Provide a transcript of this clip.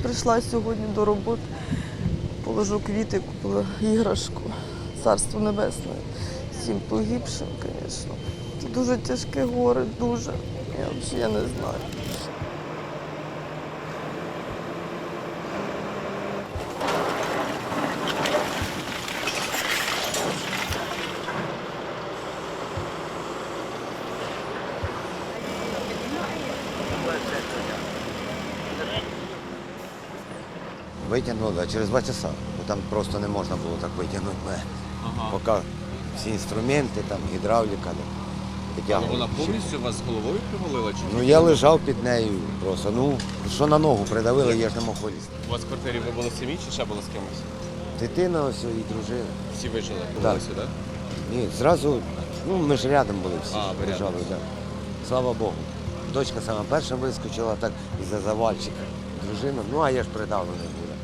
прийшла сьогодні до роботи, положу квіти, купила іграшку. Царство Небесне. Всім погибшим, звісно. Це дуже тяжке горе, дуже. Я не знаю. Витягнули, а через 2 часа, бо там просто не можна було так витягнути мене. Поки всі інструменти, там гідравліка. Але вона повністю вас головою привалила? Чи Ну я лежав під нею просто, що на ногу придавили, я ж не мог вилізти. у вас в квартирі ви були самі чи ще були з кимось? Дитина ось і дружина. Всі вижили? Так. Були сюди? Ні, зразу, ми ж рядом були всі, А, ви лежали, рядом. да. Слава Богу. Дочка сама перша вискочила так із-за завальчика. Дружина, а я ж придавлений був.